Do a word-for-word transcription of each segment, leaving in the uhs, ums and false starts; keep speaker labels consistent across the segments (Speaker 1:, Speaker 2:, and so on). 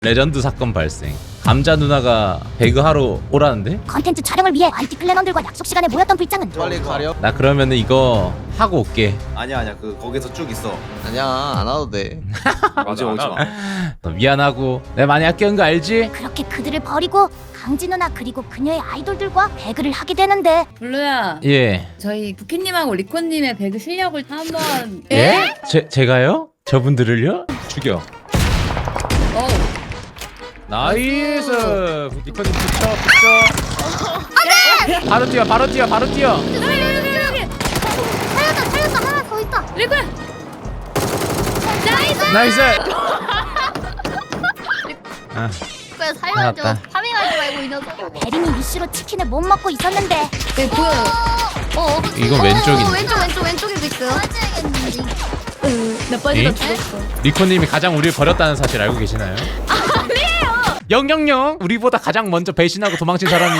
Speaker 1: 레전드 사건 발생. 감자 누나가 배그하러 오라는데?
Speaker 2: 컨텐츠 촬영을 위해 안티 클랜원들과 약속 시간에 모였던 불장은
Speaker 3: 빨리 가려.
Speaker 1: 나 그러면은 이거 하고 올게.
Speaker 3: 아니야 아니야 그 거기서 쭉 있어.
Speaker 4: 아니야 안 와도 돼.
Speaker 3: 오지 오지 마.
Speaker 1: 너 미안하고 내가 많이 아끼는 거 알지?
Speaker 2: 그렇게 그들을 버리고 강지 누나 그리고 그녀의 아이돌들과 배그를 하게 되는데
Speaker 5: 블루야,
Speaker 1: 예.
Speaker 5: 저희 부키님하고 리코님의 배그 실력을 한번.
Speaker 1: 예? 제, 제가요? 저분들을요? 죽여.
Speaker 5: 어.
Speaker 1: 나이스. 니코님 붙여 붙여. 바로 뛰어 바로 뛰어 바로 뛰어.
Speaker 2: 살렸다 살렸다 하나 더 있다.
Speaker 5: 리코야. 나이스.
Speaker 1: 나이스. 아,
Speaker 2: 그래
Speaker 1: 살려줘. 알았다.
Speaker 2: 파밍하지 말고 이 녀석. 베린이 미슈로 치킨을 못 먹고 있었는데
Speaker 5: 네, 보여요.
Speaker 2: 어
Speaker 1: 이건 왼쪽인데.
Speaker 2: 왼쪽 왼쪽 왼쪽에도 있어요.
Speaker 5: 나 빠지다
Speaker 1: 에?
Speaker 5: 죽었어.
Speaker 1: 리코님이 가장 우리를 버렸다는 사실 알고 계시나요? 아니에요. 영영영. 우리보다 가장 먼저 배신하고 도망친 사람이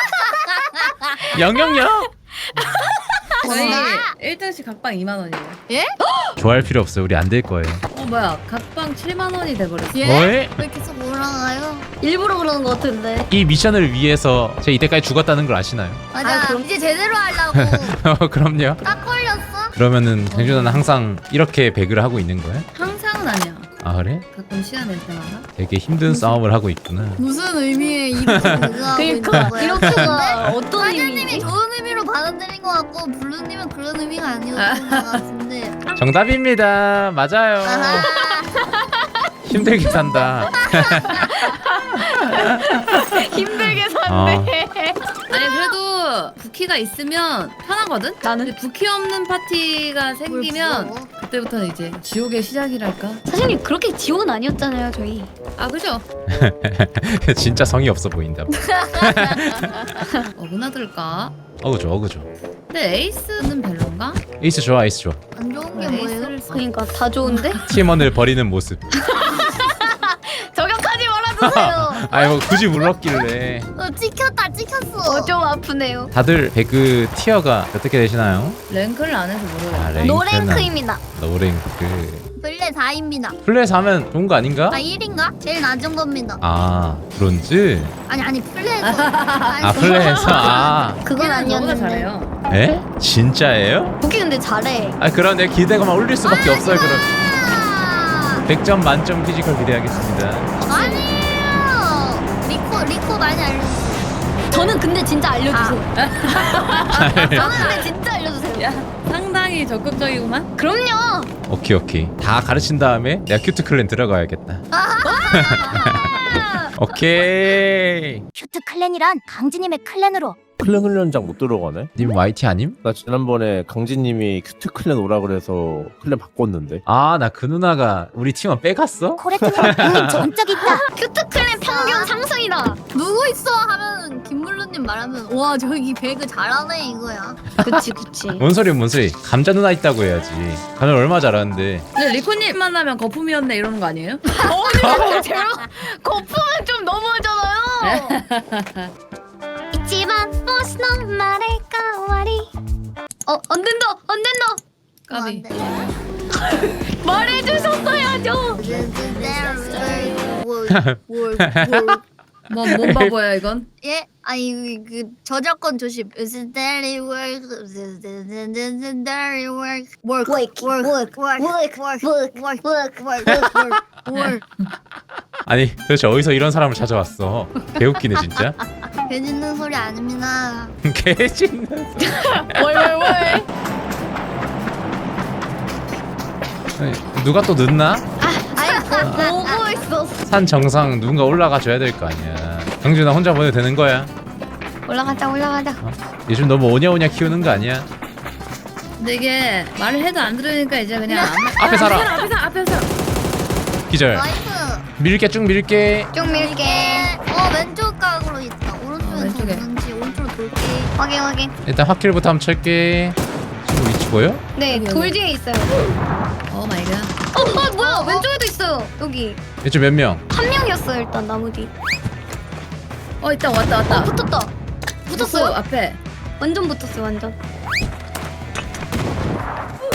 Speaker 1: 영영영.
Speaker 5: 저희 일 등씩 각방 이만 원이에요.
Speaker 1: 좋아할 필요 없어요. 우리 안 될 거예요.
Speaker 5: 어 뭐야? 각방 칠만 원이 돼버렸어.
Speaker 1: 왜?
Speaker 2: 왜 계속 올라가요? 일부러 그러는 것 같은데.
Speaker 1: 이 미션을 위해서 제가 이때까지 죽었다는 걸 아시나요?
Speaker 2: 맞아. 이제 제대로 하려고.
Speaker 1: 어, 그럼요.
Speaker 2: 딱 걸렸어.
Speaker 1: 그러면은 경준아는 항상 이렇게 배그를 하고 있는 거야?
Speaker 5: 항상은 아니야.
Speaker 1: 아 그래?
Speaker 5: 가끔 시간 낼 때마다.
Speaker 1: 되게 힘든 싸움을 하고 있구나.
Speaker 2: 무슨 의미의 이렇게 배그하고 있는 거야? 이렇게가 어떤 의미지? 좋은 의미로 받아들인 것 같고 블루님은 그런 의미가 아니었던 것 같은데.
Speaker 1: 정답입니다. 맞아요.
Speaker 2: 아하.
Speaker 1: 힘들게 산다.
Speaker 5: 힘들게
Speaker 1: 어.
Speaker 5: 아니 그래도 부키가 있으면 편하거든? 나는 근데 부키 없는 파티가 생기면
Speaker 2: 부러워?
Speaker 5: 그때부터는 이제 지옥의 시작이랄까?
Speaker 6: 사장님 그렇게 지옥은 아니었잖아요 저희.
Speaker 5: 아 그죠?
Speaker 1: 진짜 성의 없어 보인다.
Speaker 5: 어긋나들까?
Speaker 1: 어그죠 어그죠.
Speaker 5: 근데 에이스는 별론가?
Speaker 1: 에이스 좋아 에이스 좋아.
Speaker 2: 안 좋은 게
Speaker 5: 왜
Speaker 2: 뭐예요?
Speaker 5: 에이스를 써?
Speaker 6: 그러니까 다 좋은데?
Speaker 1: 팀원을 버리는 모습.
Speaker 6: 저격하지 말아주세요.
Speaker 1: 아니 뭐 굳이 물렀길래.
Speaker 2: 어, 찍혔다 찍혔어.
Speaker 6: 어, 좀 아프네요.
Speaker 1: 다들 배그 티어가 어떻게 되시나요?
Speaker 5: 랭크를 안 해서 모르겠어.
Speaker 1: 아, 랭크는
Speaker 6: 노랭크입니다.
Speaker 1: 노랭크.
Speaker 2: 플레 사입니다.
Speaker 1: 플레이에서 하면 좋은 거 아닌가?
Speaker 2: 아 일인가? 제일 낮은 겁니다.
Speaker 1: 아 브론즈?
Speaker 2: 아니 아니 플레에서.
Speaker 1: 아 플레이에서 아.
Speaker 6: 그건
Speaker 5: 너보다
Speaker 6: 아니었는데.
Speaker 5: 잘해요.
Speaker 1: 에? 진짜예요?
Speaker 6: 복귀 근데 잘해.
Speaker 1: 아 그럼 내 기대가만 올릴 수밖에 없어요 그럼.
Speaker 2: 아,
Speaker 1: 백 점 만점 피지컬 기대하겠습니다.
Speaker 2: 아니에요. 리코 리코 많이 알려주세요.
Speaker 6: 저는 근데 진짜 알려주세요. 저는 근데 진짜 알려주세요.
Speaker 5: 야 상당히 적극적이구만.
Speaker 6: 그럼요.
Speaker 1: 오케이 오케이. 다 가르친 다음에 내가 큐트 클랜 들어가야겠다. 오케이.
Speaker 2: 큐트 클랜이란 강지님의 클랜으로
Speaker 7: 클랜 훈련장 못 들어가네?
Speaker 1: 님 와이티 아님?
Speaker 7: 나 지난번에 강진님이 큐트 클랜 오라 그래서 클랜 바꿨는데.
Speaker 1: 아 나 그 누나가 우리 팀원 빼갔어?
Speaker 2: 코레트는 그 전적 있다.
Speaker 6: 큐트 클랜 평균 상승이다.
Speaker 2: 누구 있어 하면 김물루님 말하면 와 저기 배그 잘하네 이거야.
Speaker 6: 그치 그치.
Speaker 1: 뭔 소리야 뭔 소리. 감자 누나 있다고 해야지. 감자 얼마 잘하는데.
Speaker 5: 근데 리코님 만나면 거품이었네 이러는 거 아니에요?
Speaker 6: 거품은 좀 너무하잖아요. 있지만 무슨 말일까 와리. 어 안 된다 안 된다.
Speaker 5: 까비.
Speaker 6: 말해주셨어야죠.
Speaker 5: 뭐 뭔 바보야 이건?
Speaker 2: 예? 아니 그 저작권 조심. Steady work, steady work, work,
Speaker 6: Work,
Speaker 2: work,
Speaker 6: work,
Speaker 2: work,
Speaker 6: work,
Speaker 2: work,
Speaker 6: work,
Speaker 2: work, work, work, work, work.
Speaker 1: 아니 도대체 어디서 이런 사람을 찾아왔어. 개웃기네 진짜.
Speaker 2: 해주는 소리 아닙니다.
Speaker 1: 개짖는.
Speaker 6: 월월월.
Speaker 1: 누가 또 늦나?
Speaker 6: 아니 보고 있었어.
Speaker 1: 산 정상 누군가 올라가 줘야 될 거 아니야. 경준아 혼자 보내도 되는 거야.
Speaker 6: 올라가자 올라가자.
Speaker 1: 요즘 너무 오냐오냐 키우는 거 아니야?
Speaker 5: 근데 이게 말을 해도 안 들으니까 이제 그냥 안
Speaker 1: 앞에 살아.
Speaker 5: 앞에 살아 앞에 살아.
Speaker 1: 기절.
Speaker 2: 나이스.
Speaker 1: 밀게 쭉 밀게.
Speaker 6: 쭉 밀게.
Speaker 2: 어 왼쪽 각으로 있다.
Speaker 5: 어,
Speaker 2: 오른쪽에서
Speaker 5: 왼쪽에.
Speaker 2: 오는지 오른쪽으로 돌게.
Speaker 6: 확인 확인.
Speaker 1: 일단 확킬부터 한번 칠게. 친구 위치 보여?
Speaker 6: 네
Speaker 5: 여기,
Speaker 6: 돌
Speaker 5: 여기.
Speaker 6: 뒤에 있어요.
Speaker 5: 오 마이 갓.
Speaker 6: 어, 어 뭐야 왼쪽에도 있어요. 여기
Speaker 1: 이쪽 몇 명?
Speaker 6: 한 명이었어요 일단 나무 뒤.
Speaker 5: 어 있다 왔다 왔다.
Speaker 6: 붙었다.
Speaker 5: 붙었어
Speaker 6: 붙었어요?
Speaker 5: 앞에.
Speaker 6: 완전 붙었어요 완전.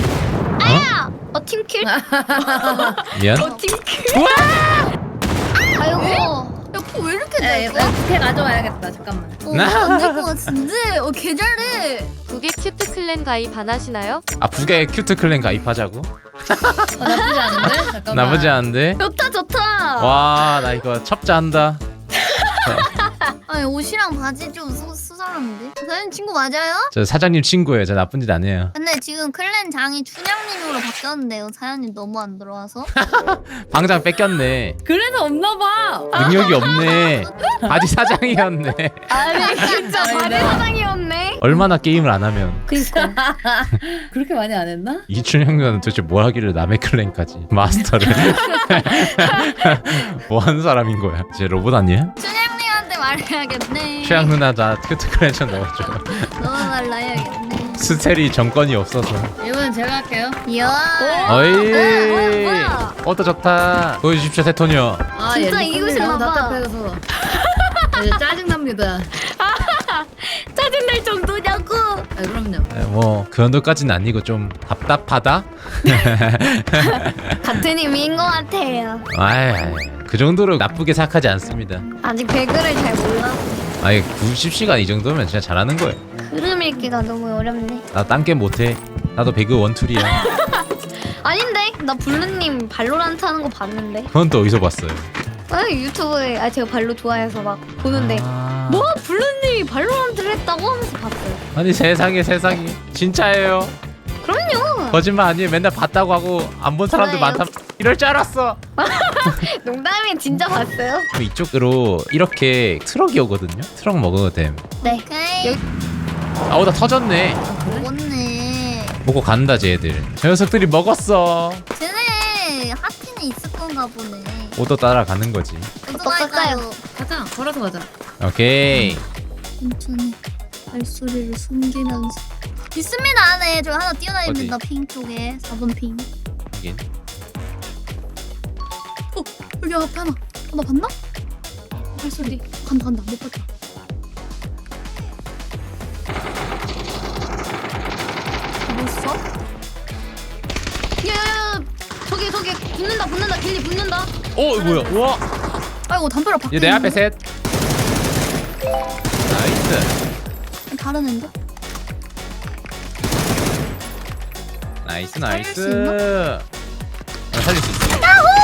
Speaker 6: 아야! 어 팀킬?
Speaker 1: 미안.
Speaker 6: 어 팀킬?
Speaker 1: 우와!
Speaker 2: 아이고. 야코왜 이렇게
Speaker 5: 야,
Speaker 2: 잘
Speaker 5: 얘 부캐 가져와야겠다. 잠깐만.
Speaker 2: 어, 안될 것 같은데. 어, 개 잘해.
Speaker 4: 북의 큐트 클랜 가입 안 하시나요?
Speaker 1: 아 북의 큐트 클랜 가입하자고?
Speaker 5: 어, 나쁘지 않은데? 잠깐만.
Speaker 1: 나쁘지 않은데?
Speaker 2: 좋다, 좋다.
Speaker 1: 와 나 이거 첩자한다.
Speaker 2: 아니, 옷이랑 바지 좀 수, 수사람인데? 사장님 친구 맞아요?
Speaker 1: 저 사장님 친구예요. 저 나쁜 짓 안 해요.
Speaker 2: 근데 지금 클랜 장이 춘향님으로 바뀌었는데요. 사장님 너무 안 들어와서.
Speaker 1: 방장 뺏겼네.
Speaker 5: 그래서 없나 봐.
Speaker 1: 능력이 없네. 바지 사장이었네.
Speaker 2: 아니, 진짜
Speaker 5: 바지
Speaker 2: 사장이었네.
Speaker 1: 얼마나 게임을 안 하면.
Speaker 2: 그니까.
Speaker 5: 그렇게 많이 안 했나?
Speaker 1: 이춘향은 도대체 뭘 하길래 남의 클랜까지 마스터를. 뭐 하는 사람인 거야? 쟤 로봇 아니야?
Speaker 2: 춘향님한테 말해야겠네.
Speaker 1: 최양 누나 나 큐트 클랜 좀 넣어줘.
Speaker 2: 넣어달라 해야겠네.
Speaker 1: 스텔이 정권이 없어서.
Speaker 5: 이번엔 제가 할게요.
Speaker 2: 이야.
Speaker 1: 어이.
Speaker 2: 뭐야, 뭐야.
Speaker 1: 어떠 좋다. 보여주십시오 세토니오.
Speaker 5: 아,
Speaker 2: 진짜
Speaker 5: 얘
Speaker 2: 이기고
Speaker 5: 리코님 너무
Speaker 2: 싶나 봐.
Speaker 5: 답답해서. 이제 짜증납니다.
Speaker 2: 짜증날 정도냐고.
Speaker 5: 아, 그럼요.
Speaker 1: 네, 뭐그 정도까지는 아니고 좀 답답하다.
Speaker 2: 같은 의미인 것 같아요.
Speaker 1: 아이, 아이 그 정도로 나쁘게 생각하지 않습니다.
Speaker 2: 아직 배그를 잘 몰라.
Speaker 1: 아니 구십 시간 이 정도면 진짜 잘하는 거예요.
Speaker 2: 흐름 읽기가 너무 어렵네.
Speaker 1: 나 딴 게임 못해. 나도 배그 원툴이야.
Speaker 2: 아닌데? 나 블루님 발로란트 하는 거 봤는데.
Speaker 1: 그건 또 어디서 봤어요?
Speaker 2: 아, 유튜브에 아 제가 발로 좋아해서 막 보는데
Speaker 1: 아...
Speaker 2: 뭐 블루님이 발로란트를 했다고 하면서 봤어요.
Speaker 1: 아니 세상에 세상에 진짜예요.
Speaker 2: 그럼요.
Speaker 1: 거짓말 아니에요. 맨날 봤다고 하고 안 본 사람들
Speaker 2: 좋아해요.
Speaker 1: 많다. 이럴 줄 알았어.
Speaker 2: 농담이 진짜 봤어요?
Speaker 1: 이쪽으로 이렇게 트럭이 오거든요. 트럭 먹어도 됨.
Speaker 2: 네. 여기
Speaker 1: 아우 나 터졌네.
Speaker 2: 먹었네.
Speaker 1: 먹고 간다 쟤들. 저 녀석들이 먹었어.
Speaker 2: 쟤네 하트는 있을 건가 보네.
Speaker 1: 오더 따라가는 거지.
Speaker 2: 어떡할까요?
Speaker 5: 가자. 걸어서 가자.
Speaker 1: 오케이.
Speaker 2: 천천히 발소리를 숨기면서 있습니다 안에. 저 하나 뛰어다닙니다. 핑 쪽에 사 번 핑.
Speaker 1: 여긴.
Speaker 2: 어 여기 앞에 하나. 어, 나 봤나? 발소리 간다 간다 못 봤다. 뭐였어? 야야야 저기 저기 붙는다 붙는다 길리 붙는다.
Speaker 1: 어 이거 뭐야? 우와.
Speaker 2: 아이고 담벼락 밖에
Speaker 1: 얘 내 앞에
Speaker 2: 있는데?
Speaker 1: 셋. 나이스.
Speaker 2: 다른 앤데?
Speaker 1: 나이스
Speaker 2: 살릴 수
Speaker 1: 나이스. 아, 살릴 수 있어.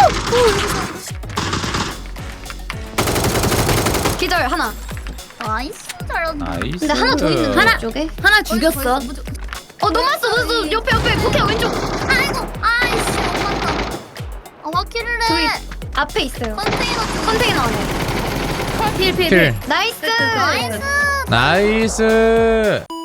Speaker 2: 기절 하나. 나이스 잘한다.
Speaker 1: 나이스.
Speaker 2: 근데 하나 더 있는데
Speaker 5: 하나!
Speaker 2: 쪽에?
Speaker 5: 하나 죽였어.
Speaker 2: 어 넘었어 넘었어 옆에 옆에 부캐 왼쪽. 아이고 아이씨 못 봤다. 아 화키를 해. 앞에 있어요. 컨테이너 쪽. 컨테이너 안에.
Speaker 5: 필, 필,
Speaker 1: 킬.
Speaker 5: 필.
Speaker 2: 나이스. 나이스.
Speaker 1: 나이스.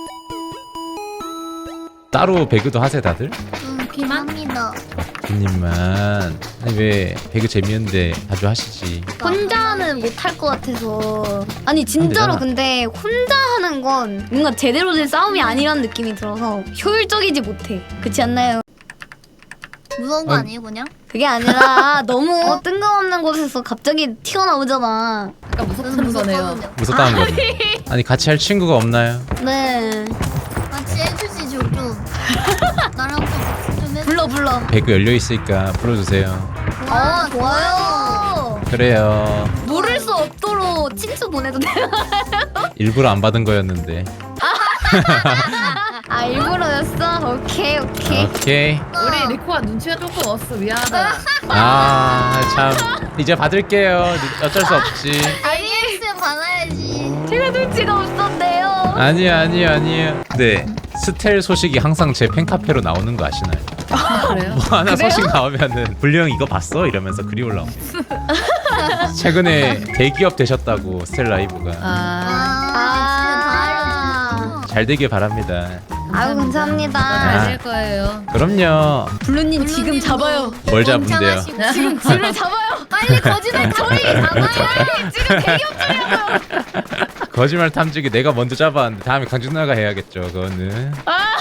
Speaker 1: 따로 배그도 하세요 다들?
Speaker 2: 음 비만합니다.
Speaker 1: 님만. 아니 왜 배그 재미있는데 자주 하시지?
Speaker 2: 혼자는 못 할 것 같아서. 아니 진짜로
Speaker 1: 되잖아.
Speaker 2: 근데 혼자 하는 건 뭔가 제대로 된 싸움이 아니라는 느낌이 들어서 효율적이지 못해. 그렇지 않나요? 무서운 거
Speaker 1: 어.
Speaker 2: 아니에요 그냥? 그게 아니라 너무 뜬금없는 곳에서 갑자기 튀어나오잖아.
Speaker 5: 약간 무섭다는 거네요.
Speaker 1: 무섭다는 거지. 아니 같이 할 친구가 없나요?
Speaker 2: 네. 같이 해주시죠 좀. 나랑 좀 같이 좀 해. 불러 불러.
Speaker 1: 배그 열려 있으니까 불러주세요.
Speaker 2: 아 좋아요.
Speaker 1: 그래요.
Speaker 2: 모를 수 없도록 친추 보내도 돼요?
Speaker 1: 일부러 안 받은 거였는데.
Speaker 2: 아 일부러였어? 오케이 오케이.
Speaker 1: 오케이.
Speaker 5: 우리 리코가 눈치가 조금 없어. 미안하다.
Speaker 1: 아 참. 이제 받을게요. 어쩔 수 없지.
Speaker 2: 아이엑스 받아야지. 제가 눈치가 없었네요.
Speaker 1: 아니요 아니요 아니요. 네. 스텔 소식이 항상 제 팬카페로 나오는 거 아시나요?
Speaker 5: 그래요?
Speaker 1: 뭐 하나 소식 나오면은 불령 이거 봤어? 이러면서 글이 올라옵니다. 최근에 대기업 되셨다고 스텔 라이브가.
Speaker 5: 아,
Speaker 2: 아,
Speaker 1: 잘 되길 바랍니다.
Speaker 2: 아유 감사합니다.
Speaker 5: 잘될 거예요.
Speaker 1: 그럼요.
Speaker 2: 블루님 지금 잡아요.
Speaker 1: 뭘 잡은데요?
Speaker 2: 지금 지를 잡아요. 빨리 거짓말 저리 잡아요. 빨리 지금 대기업 주려고요.
Speaker 1: 거짓말 탐지기 내가 먼저 잡았는데 다음에 강준 누나가 해야겠죠. 그거는.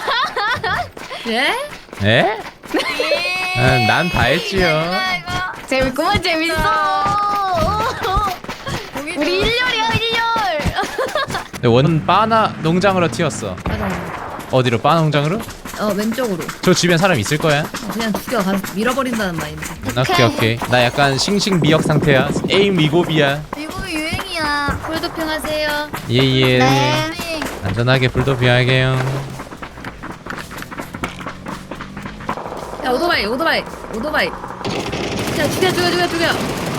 Speaker 5: 예?
Speaker 1: 에? 아, 난 다 했지요.
Speaker 2: 재밌구만 재밌어. 우리 일렬이야 일렬.
Speaker 1: 근데 원 바나 농장으로 튀었어.
Speaker 5: 맞아.
Speaker 1: 어디로? 바나 농장으로?
Speaker 5: 어 왼쪽으로.
Speaker 1: 저 주변 사람 있을 거야?
Speaker 5: 어, 그냥 죽여 가서 밀어버린다는 마인드.
Speaker 1: 오케이 오케이. 나 약간 싱싱 미역 상태야. 에임 위고비야.
Speaker 2: 미국이 유행이야.
Speaker 5: 폴도핑 하세요.
Speaker 1: 예예.
Speaker 2: 네.
Speaker 1: 안전하게 불도비할게요.
Speaker 5: 야 오토바이 오토바이 오토바이. 야 죽여 죽여 죽여 죽여.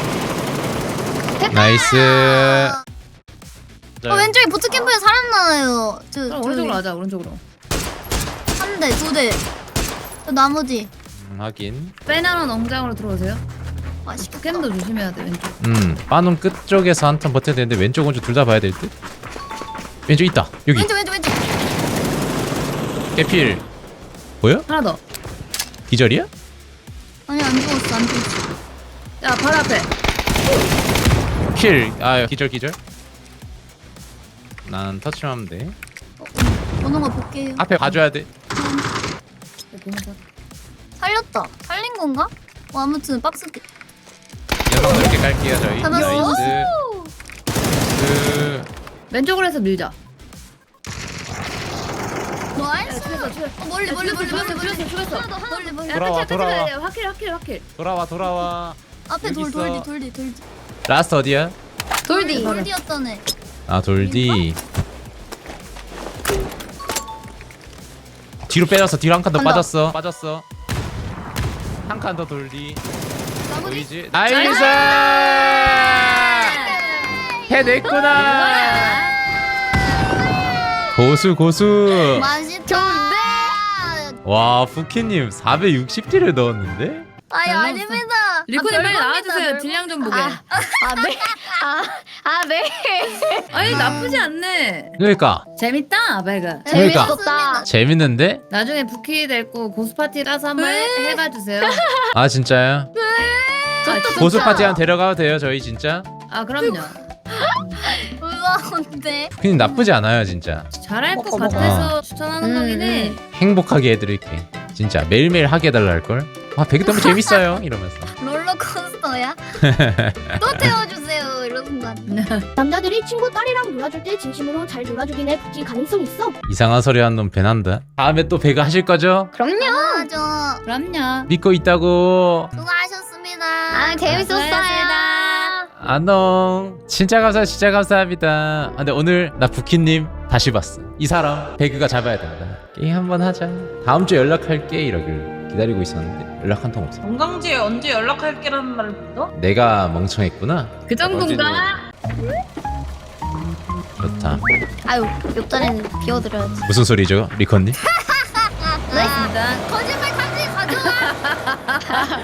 Speaker 1: 나이스.
Speaker 2: 어, 왼쪽에 보트캠프에 사람 나와요. 저,
Speaker 5: 그럼 오른쪽으로 가자 오른쪽으로.
Speaker 2: 한 대, 두 대. 저 나머지.
Speaker 1: 음, 확인.
Speaker 5: 빼나는 농장으로 들어오세요.
Speaker 2: 맛있겠다.
Speaker 5: 캠도 조심해야 돼 왼쪽.
Speaker 1: 음, 빠놈 끝쪽에서 한 턴 버텨야 되는데 왼쪽 오른쪽 둘 다 봐야 될 듯? 왼쪽 있다. 여기.
Speaker 2: 왼쪽, 왼쪽, 왼쪽.
Speaker 1: 깨필. 보여?
Speaker 5: 하나 더.
Speaker 1: 기절이야?
Speaker 2: 아니, 안 죽었어, 안 죽었어.
Speaker 5: 야 바로 앞에.
Speaker 1: 킬. 아, 기절 기절. 난 터치하면 돼.
Speaker 2: 오는 거 볼게요.
Speaker 1: 앞에 봐줘야 돼.
Speaker 2: 살렸다. 살린 건가? 뭐 아무튼 박스.
Speaker 1: 여성 이렇게 깔게요 저희.
Speaker 2: 잡았어.
Speaker 1: 나이스. 그
Speaker 5: 왼쪽으로 해서 밀자.
Speaker 2: 나이스.
Speaker 5: 죽였어 죽였어.
Speaker 2: 어, 멀리, 멀리, 멀리, 멀리, 멀리.
Speaker 5: 죽였어 죽였어.
Speaker 2: 하나 더, 하나 더. 멀리, 멀리.
Speaker 5: 야,
Speaker 1: 돌아와,
Speaker 5: 끝이야,
Speaker 1: 돌아와.
Speaker 5: 끝이야. 확킬 확킬 확킬.
Speaker 1: 돌아와 돌아와.
Speaker 2: 앞에
Speaker 1: 여기
Speaker 2: 돌,
Speaker 1: 있어.
Speaker 2: 돌디, 돌디, 돌디.
Speaker 1: 라스트 어디야?
Speaker 2: 돌디.
Speaker 5: 바로.
Speaker 2: 돌디였다네.
Speaker 1: 아 돌디. 뒤로 빼졌어. 뒤로 한 칸 더
Speaker 2: 간다.
Speaker 1: 빠졌어. 빠졌어. 한 칸 더 돌디.
Speaker 2: 나머지.
Speaker 1: 보이지? 나이스! 해냈구나. 고수 고수.
Speaker 2: 맛있다.
Speaker 1: 와 푸키님 사백육십 딜을 넣었는데?
Speaker 2: 아니,
Speaker 5: 잘
Speaker 2: 아닙니다.
Speaker 5: 리코님
Speaker 2: 아,
Speaker 5: 빨리
Speaker 2: 별겁니다,
Speaker 5: 나와주세요.
Speaker 2: 별거.
Speaker 5: 딜량 좀 보게.
Speaker 2: 아, 아, 네. 아, 아, 네.
Speaker 5: 아니 나쁘지 않네.
Speaker 1: 그러니까
Speaker 5: 재밌다 배그.
Speaker 1: 그러니까.
Speaker 2: 재밌었다.
Speaker 1: 재밌는데?
Speaker 5: 나중에 부키 될고 고수 파티라서 한번 해, 해봐 주세요.
Speaker 1: 아 진짜요?
Speaker 5: 아,
Speaker 1: 고수 파티 한 데려가도 돼요 저희 진짜?
Speaker 5: 아 그럼요.
Speaker 2: 우와, 근데.
Speaker 1: 푸키님 나쁘지 않아요 진짜.
Speaker 5: 잘할 것
Speaker 2: 먹어, 먹어.
Speaker 5: 같아서 추천하는
Speaker 2: 음,
Speaker 5: 거긴 해.
Speaker 1: 행복하게 해드릴게. 진짜 매일매일 하게 해달라 할걸? 아 배그 너무 재밌어요 이러면서.
Speaker 2: 롤러코스터야? 또 태워주세요. 이러는 거 같아.
Speaker 8: 남자들이 친구 딸이랑 놀아줄 때 진심으로 잘 놀아주긴 해. 붙일 가능성 있어.
Speaker 1: 이상한 소리 하는 놈 배난다. 다음에 또 배그 하실 거죠?
Speaker 2: 그럼요. 저
Speaker 5: 그럼요.
Speaker 1: 믿고 있다고.
Speaker 2: 수고하셨습니다.
Speaker 6: 아 재밌었어요.
Speaker 1: 안녕. 진짜 감사 진짜 감사합니다. 아, 근데 오늘 나 부키님 다시 봤어. 이 사람 배그가 잡아야 된다. 게임 한번 하자. 다음 주에 연락할게 이러길 기다리고 있었는데 연락 한 통 없어.
Speaker 9: 건강지에 언제 연락할게라는 말을 믿어?
Speaker 1: 내가 멍청했구나.
Speaker 5: 그 정도인가?
Speaker 1: 좋다.
Speaker 2: 아유, 옆자리는 비워드려야지.
Speaker 1: 무슨 소리죠, 리컨님?
Speaker 5: 고맙습니다.
Speaker 2: 거짓말 탐지 가져와.